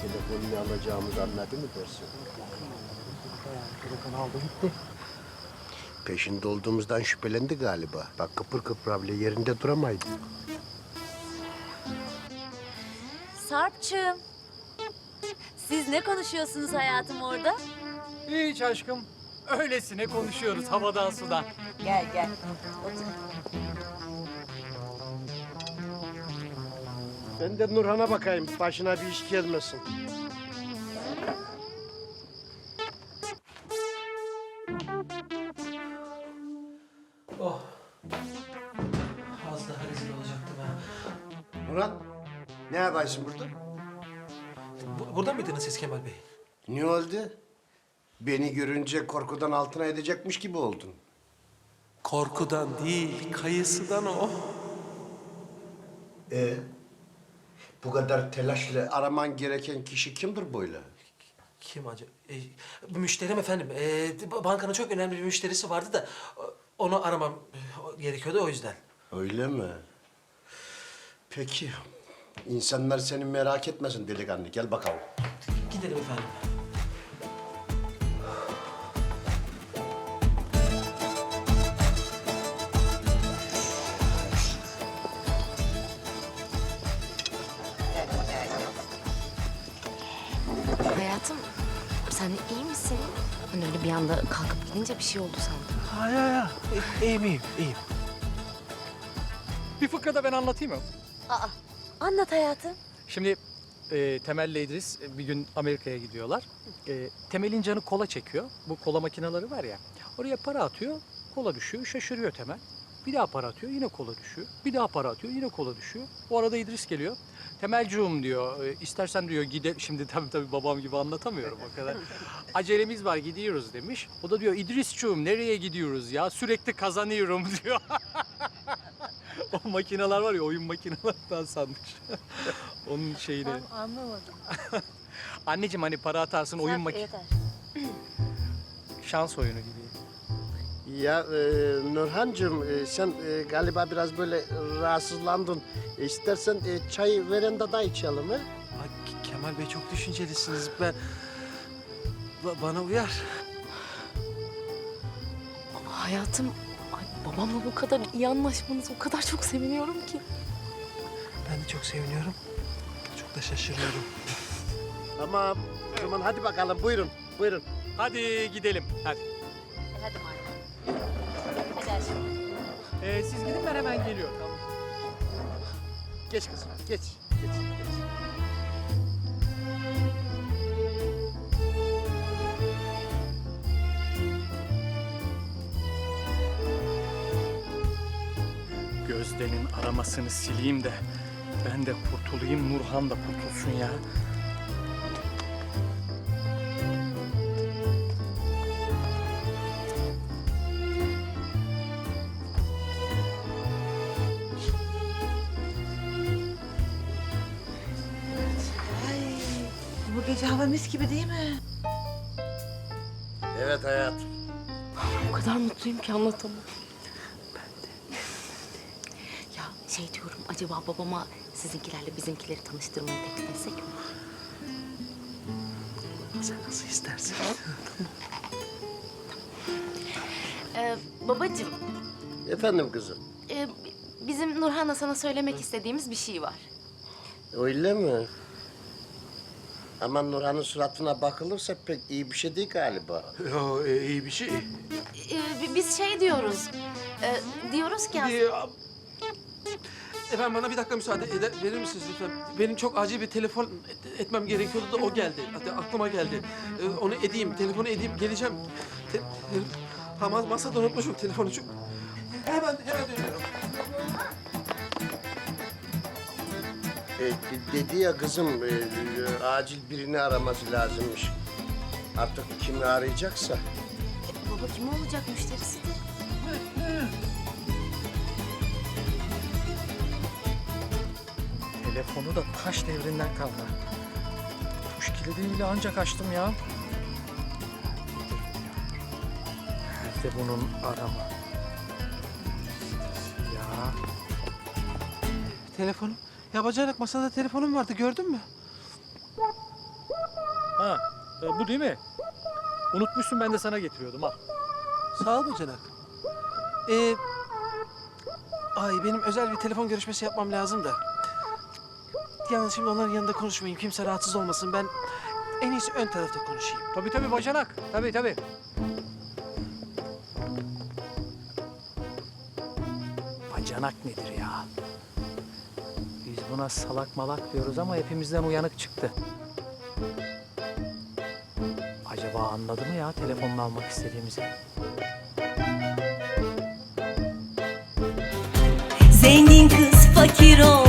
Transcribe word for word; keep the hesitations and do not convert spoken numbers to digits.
telefonunu alacağımızı anladı mı dersin? Telefonu aldı gitti. Peşinde olduğumuzdan şüphelendi galiba. Bak kıpır kıpır bile yerinde duramaydı. Sarp'cığım. Siz ne konuşuyorsunuz hayatım orada? Hiç aşkım. Öylesine konuşuyoruz havadan sudan. Gel gel. Otur. Ben de Nurhan'a bakayım. Başına bir iş gelmesin. Oh. Az daha rezil olacaktım ha. Nurhan, ne yaparsın burada? Bu, burada mıydınız siz Kemal Bey? Ne oldu? Beni görünce korkudan altına edecekmiş gibi oldun. Korkudan değil, kayısıdan o. Ee, bu kadar telaşla araman gereken kişi kimdir böyle? Kim acaba? E, müşterim efendim. E, bankanın çok önemli bir müşterisi vardı da onu aramam e, gerekiyordu o yüzden. Öyle mi? Peki. İnsanlar seni merak etmesin delikanlı. Gel bakalım. Gidelim efendim. Hayatım, sen iyi misin? Hani öyle bir anda kalkıp gidince bir şey oldu sandım. Ha ya ya. E, iyiyim iyiyim iyiyim. Bir fıkra da ben anlatayım mı? Aa, anlat hayatım. Şimdi e, Temel'le İdris e, bir gün Amerika'ya gidiyorlar. E, Temel'in canı kola çekiyor. Bu kola makineleri var ya. Oraya para atıyor, kola düşüyor. Şaşırıyor Temel. Bir daha para atıyor, yine kola düşüyor. Bir daha para atıyor, yine kola düşüyor. O arada İdris geliyor. Temelciğim diyor, e, istersen diyor gide... Şimdi tabii tabii babam gibi anlatamıyorum o kadar. Acelemiz var, gidiyoruz demiş. O da diyor, İdrisciğim nereye gidiyoruz ya? Sürekli kazanıyorum diyor. O makineler var ya, oyun makinelerinden sanmış. Onun şeyini. Ben anlamadım. Anneciğim hani para atarsın oyun mak... Yeter. Şans oyunu gibi. Ya e, Nurhancığım e, sen e, galiba biraz böyle rahatsızlandın. E, istersen e, çay verendada içelim ha? Ay, Ke- Kemal Bey çok düşüncelisiniz. Ben... Ba- bana uyar. Ama hayatım, ay babamla bu kadar iyi anlaşmanız o kadar çok seviniyorum ki. Ben de çok seviniyorum. Çok da şaşırıyorum. Tamam. O zaman hadi bakalım buyurun. Buyurun. Hadi gidelim. Hadi. E, hadi madem. Hadi aşkım. Ee, siz gidin ben hemen geliyorum. Tamam. Geç kızım. Geç. Geç. Geç. Gözde'nin aramasını sileyim de ben de kurtulayım, Nurhan da kurtulsun ya. Bu gece hava mis gibi değil mi? Evet hayatım. O kadar mutluyum ki anlatamam. Ya şey diyorum, acaba babama sizinkilerle bizimkileri tanıştırmayı teklif etsek mi? Sen nasıl istersen. Ee, babacığım, Efendim kızım. e, bizim Nurhan'la sana söylemek istediğimiz bir şey var. Öyle mi? Ama Nurhan'ın suratına bakılırsa pek iyi bir şey değil galiba. Yo, e, iyi bir şey. Ee, biz şey diyoruz, e, diyoruz ki aslında... Ee, Efendim bana bir dakika müsaade eder, verir misiniz lütfen? Benim çok acil bir telefon et- etmem gerekiyordu da o geldi. Hatta aklıma geldi. Ee, onu edeyim, telefonu edeyim, geleceğim. Te- ha, mas- masada unutmuşum telefonu. Çok... Hemen, hemen dönüyorum. E, dedi ya kızım, e, e, acil birini araması lazımmış. Artık kimi arayacaksa. E, baba kim olacak, müşterisidir. Telefonu da taş devrinden kalma. Tuş kilidini ancak açtım ya. Nerede bunun arama? Ya. Telefonum. Ya bacanak masada telefonum vardı, gördün mü? Ha, e, bu değil mi? Unutmuşsun, ben de sana getiriyordum al. Sağ ol bacanak. Ee, ay benim özel bir telefon görüşmesi yapmam lazım da. Yalnız şimdi onların yanında konuşmayayım. Kimse rahatsız olmasın. Ben en iyisi ön tarafta konuşayım. Tabii tabii bacanak. Tabii tabii. Bacanak nedir ya? Biz buna salak malak diyoruz ama hepimizden uyanık çıktı. Acaba anladı mı ya telefonunu almak istediğimizi? Zengin kız fakir ol